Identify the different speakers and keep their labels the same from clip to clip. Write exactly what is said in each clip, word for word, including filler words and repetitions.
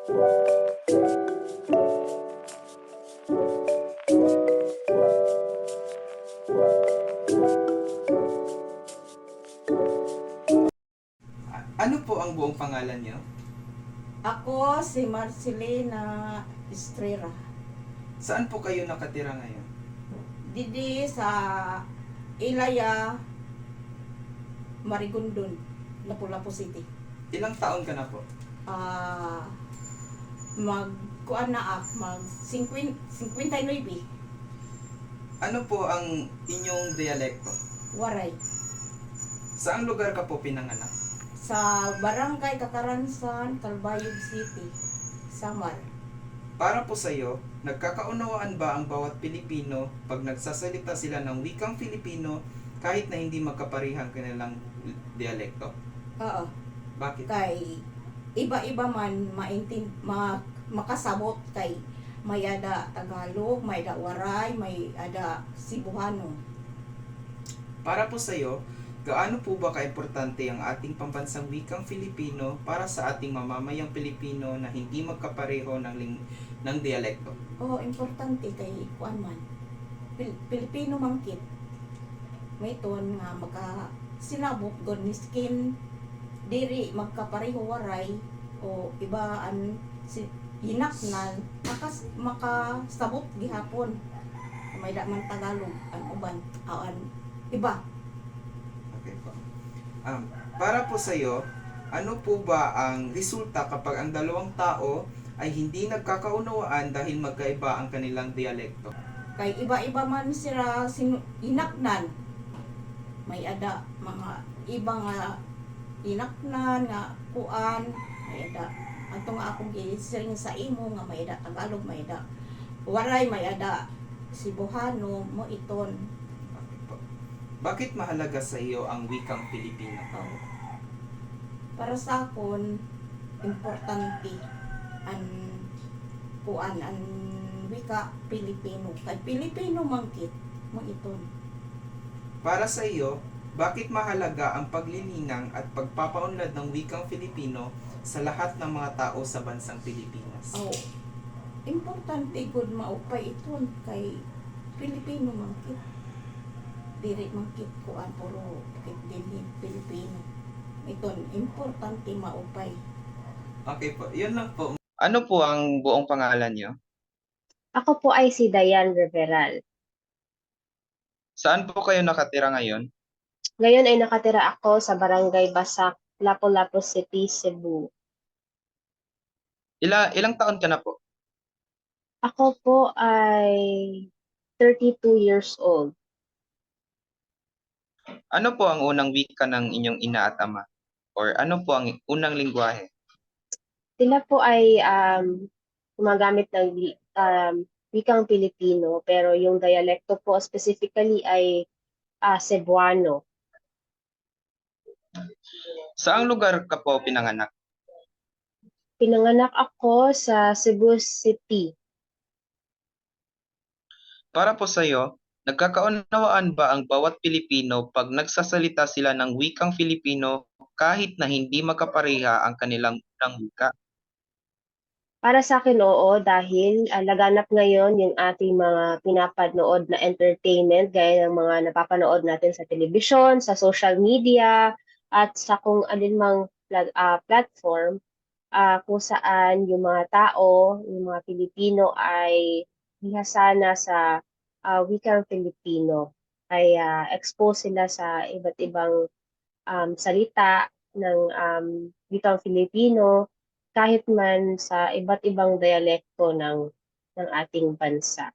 Speaker 1: A- Ano po ang buong pangalan niyo?
Speaker 2: Ako si Marcelina Estrera.
Speaker 1: Saan po kayo nakatira ngayon?
Speaker 2: Didi sa Ilaya, Marigondon, Lapu-Lapu City.
Speaker 1: Ilang taon ka na po?
Speaker 2: Ah, mag kuan na ak mag fifty-nine
Speaker 1: Ano po ang inyong dialekto?
Speaker 2: waray
Speaker 1: Saang lugar ka po pinanganak?
Speaker 2: sa Barangay Kakaransan, Calbayog City, Samar.
Speaker 1: Para po sa iyo, nagkakaunawaan ba ang bawat Pilipino pag nagsasalita sila ng wikang Filipino kahit na hindi magkaparihang kanilang dialekto?
Speaker 2: Oo,
Speaker 1: Bakit?
Speaker 2: kay iba-iba man maintin ma, makasabot kay may ada Tagalog, may ada Waray, may ada Cebuano.
Speaker 1: Para po sa iyo, gaano po ba kaimportante ang ating pambansang wikang Filipino para sa ating mamamayang Pilipino na hindi magkapareho ng ling- ng dialekto?
Speaker 2: Oo, importante kay kuan man. Pil- Pilipino mangkit. May ton nga maka sinabot gon ni skin diri magkapareho waray o ibaan si hinaknan makas makasabot gihapon may da man Tagalog an uban awan iba.
Speaker 1: Okay po. Um, para po sa iyo, ano po ba ang resulta kapag ang dalawang tao ay hindi nagkakaunawaan dahil magkaiba ang kanilang dialekto?
Speaker 2: Kay iba-iba man sila sinu- hinaknan may ada mga iba nga hinaknan nga kuan may ada ato nga akong gising sa imo nga may ada Tagalog may ada waray may ada Cebuano mo iton.
Speaker 1: Okay po. Bakit mahalaga sa iyo ang wikang Pilipino?
Speaker 2: Oh. Para sa akon importante an kuan an wika Pilipino kay Pilipino mangkit mo iton.
Speaker 1: Para sa iyo, bakit mahalaga ang paglilinang at pagpapaunlad ng wikang Filipino sa lahat ng mga tao sa bansang Pilipinas?
Speaker 2: Oh, importante gud maupay iton kay Pilipino mangkit. Diri mangkit kuan puro kit dinhi Pilipino. Iton importante maupay.
Speaker 1: Okay po, yun lang po. Ano po ang buong pangalan niyo?
Speaker 3: Ako po ay si Dayan Reveral.
Speaker 1: Saan po kayo nakatira ngayon?
Speaker 3: Ngayon ay nakatira ako sa Barangay Basak, Lapu-Lapu City, Cebu.
Speaker 1: Ila, ilang taon ka na po?
Speaker 3: Ako po ay thirty-two years old.
Speaker 1: Ano po ang unang wika ng inyong ina at ama? Or ano po ang unang lingwahe?
Speaker 3: Sila po ay um, gumagamit ng wi- um, wikang Pilipino, pero yung dialekto po specifically ay uh, Cebuano.
Speaker 1: Saang lugar ka po pinanganak?
Speaker 3: Pinanganak ako sa Cebu City.
Speaker 1: Para po sa iyo, nagkakaunawaan ba ang bawat Pilipino pag nagsasalita sila ng wikang Filipino kahit na hindi magkapareha ang kanilang unang wika?
Speaker 3: Para sa akin, oo, dahil uh, laganap ngayon yung ating mga pinapanood na entertainment, gaya ng mga napapanood natin sa telebisyon, sa social media, at sa kung alinmang plat- uh, platform, uh, kung saan yung mga tao, yung mga Pilipino ay bihasana sa uh, wikang Filipino. Ay uh, expose sila sa iba't ibang um, salita ng um, wikang Filipino kahit man sa iba't ibang dialekto ng ng ating bansa.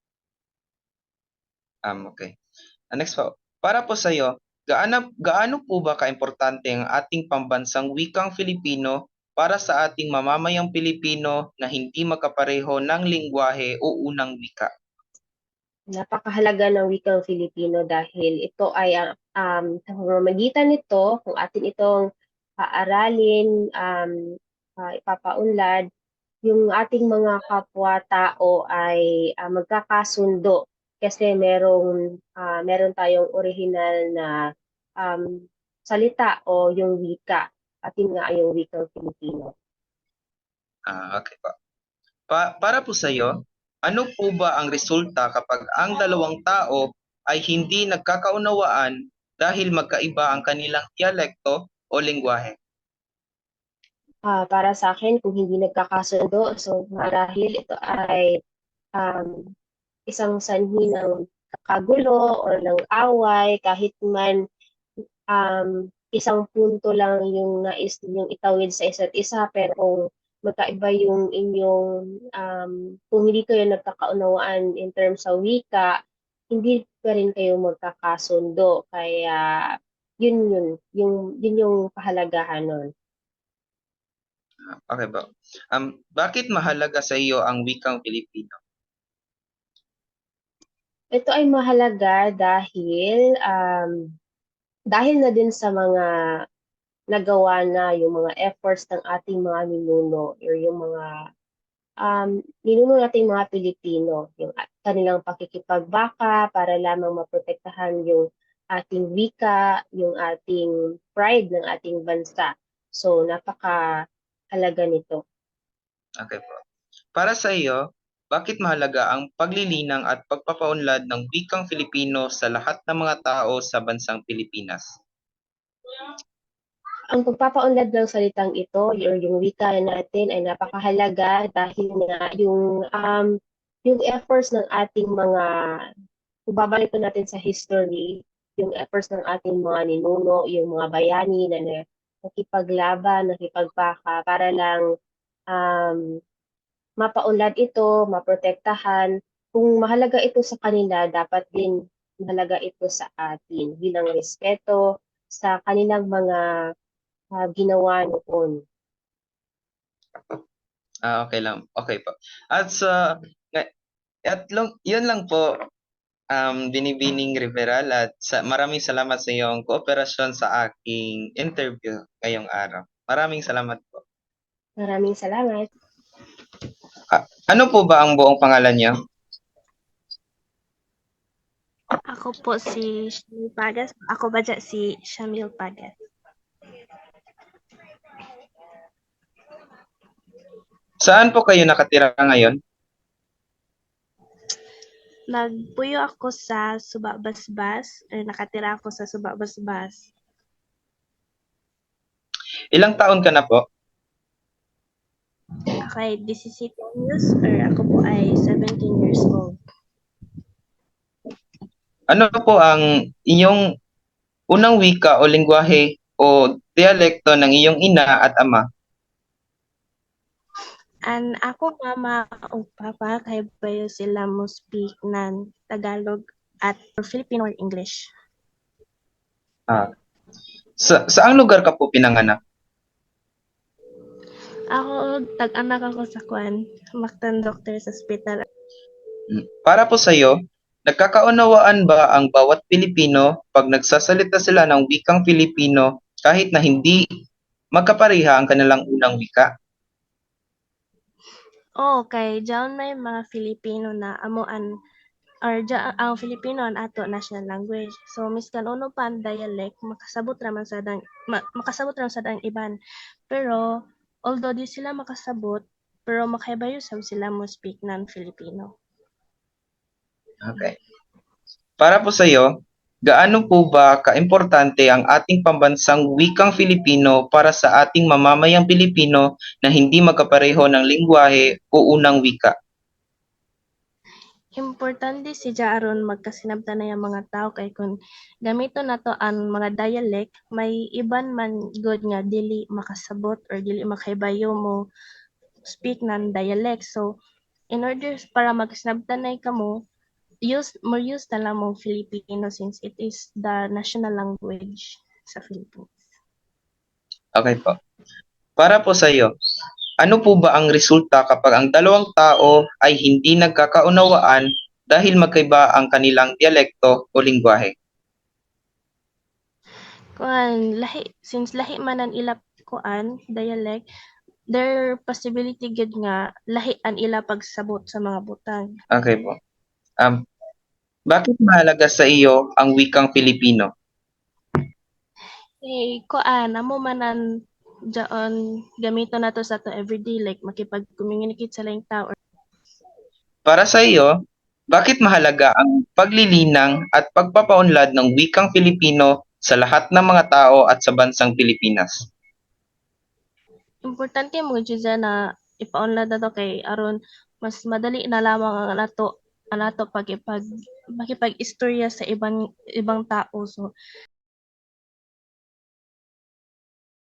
Speaker 1: Um, okay. Uh, next po. Para po sa iyo, gaano, gaano po ba kaimportante ang ating pambansang wikang Filipino para sa ating mamamayang Pilipino na hindi magkapareho ng lingwahe o unang wika?
Speaker 3: Napakahalaga ng wikang Filipino dahil ito ay ang um, sa pamamagitan nito, kung atin itong paaralin, um, uh, ipapaunlad, yung ating mga kapwa-tao ay uh, magkakasundo kasi merong uh, meron tayong original na um, salita o yung wika at yun nga yung wikang Filipino.
Speaker 1: Ah, okay po. Pa para po sa'yo, ano po ba ang resulta kapag ang dalawang tao ay hindi nagkakaunawaan dahil magkaiba ang kanilang dialekto o lengguwahe?
Speaker 3: Ah, para sa akin, kung hindi nagkakasundo, so marahil ito ay um, isang sanhi ng kagulo o ng away, kahit man um, isang punto lang yung nais ninyong itawid sa isa't isa, pero kung magkaiba yung inyong, um, kung hindi kayo nagkakaunawaan in terms sa wika, hindi pa rin kayo magkakasundo. Kaya, yun yun, yung, yun yung kahalagahan nun.
Speaker 1: Okay po. Um, bakit mahalaga sa iyo ang wikang Filipino?
Speaker 3: Ito ay mahalaga dahil, um, dahil na din sa mga nagawa na yung mga efforts ng ating mga ninuno or yung mga um, ninuno nating mga Pilipino, yung a- kanilang pakikipagbaka para lamang maprotektahan yung ating wika, yung ating pride ng ating bansa. So, napaka halaga nito.
Speaker 1: Okay po. Para sa iyo, bakit mahalaga ang paglilinang at pagpapaunlad ng wikang Filipino sa lahat ng mga tao sa bansang Pilipinas?
Speaker 3: Ang pagpapaunlad ng salitang ito or yung wika natin ay napakahalaga dahil nga yung um, yung efforts ng ating mga, kung babalik po natin sa history, yung efforts ng ating mga ninuno, yung mga bayani na na- nakipaglaban, nakipagbaka para lang um, mapaunlad ito, maprotektahan. Kung mahalaga ito sa kanila, dapat din mahalaga ito sa atin bilang respeto sa kanilang mga ah, ginawa noon.
Speaker 1: Ah, okay lang. Okay po. At sa nga- at long, yun lang po, um, Binibining Riveral, at sa, maraming salamat sa iyong kooperasyon sa aking interview ngayong araw. Maraming salamat po.
Speaker 3: Maraming salamat.
Speaker 1: Ah, ano po ba ang buong pangalan niyo?
Speaker 4: Ako po si Shamil Pagas. Ako ba dyan si Shamil Pagas?
Speaker 1: Saan po kayo nakatira ngayon?
Speaker 4: Nagpuyo ako sa Subabasbas, or nakatira ako sa Subabasbas.
Speaker 1: Ilang taon ka na po?
Speaker 4: Ako ay seventeen years, or ako po ay seventeen years old.
Speaker 1: Ano po ang iyong unang wika o lengguwahe o dialekto ng iyong ina at ama?
Speaker 4: And ako mama o papa kay bayo sila mo speak ng Tagalog at Filipino or English.
Speaker 1: Ah, sa saang lugar ka po pinanganak?
Speaker 4: Ako tag-anak ako sa Kwan, Mactan Doctors Hospital.
Speaker 1: Hmm. Para po sa iyo, nagkakaunawaan ba ang bawat Pilipino pag nagsasalita sila ng wikang Filipino kahit na hindi magkapareha ang kanilang unang wika?
Speaker 4: Oh, kay diyan may mga Filipino na amuan or dya, ang Filipino ang ato national language. So miskan uno pa ang dialect makasabot raman sa dang ma, makasabot raman sa dang iban. Pero although di sila makasabot, pero makaibayo sab sila mo speak ng Filipino.
Speaker 1: Okay. Para po sa iyo, gaano po ba kaimportante ang ating pambansang wikang Filipino para sa ating mamamayang Pilipino na hindi magkapareho ng lengguwahe o unang wika?
Speaker 4: Importante si aron magkasinabtan na yung mga tao kay kung gamito na to ang mga dialect, may iban man good nga dili makasabot or dili makaibayo mo speak ng dialect. So in order para magkasinabtan na kamo, use more use na lang mong Filipino since it is the national language sa Philippines.
Speaker 1: Okay po. Para po sa iyo, ano po ba ang resulta kapag ang dalawang tao ay hindi nagkakaunawaan dahil magkaiba ang kanilang dialekto o lengguwahe?
Speaker 4: Kuan lahi since lahi man ang ila kuan dialect, there possibility gid nga lahi ang ila pagsabot sa mga butang.
Speaker 1: Okay po. Um, bakit mahalaga sa iyo ang wikang Filipino?
Speaker 4: Eh kuan amo man ang Diyan gamito na to sa to everyday like makipag-communicate sa laing tao.
Speaker 1: Para sa iyo, bakit mahalaga ang paglilinang at pagpapaunlad ng wikang Filipino sa lahat ng mga tao at sa bansang Pilipinas?
Speaker 4: Importante mo jud na ipaunlad na to kay aron mas madali na lamang ang nato ang nato pagipag makipag-istorya sa ibang ibang tao. So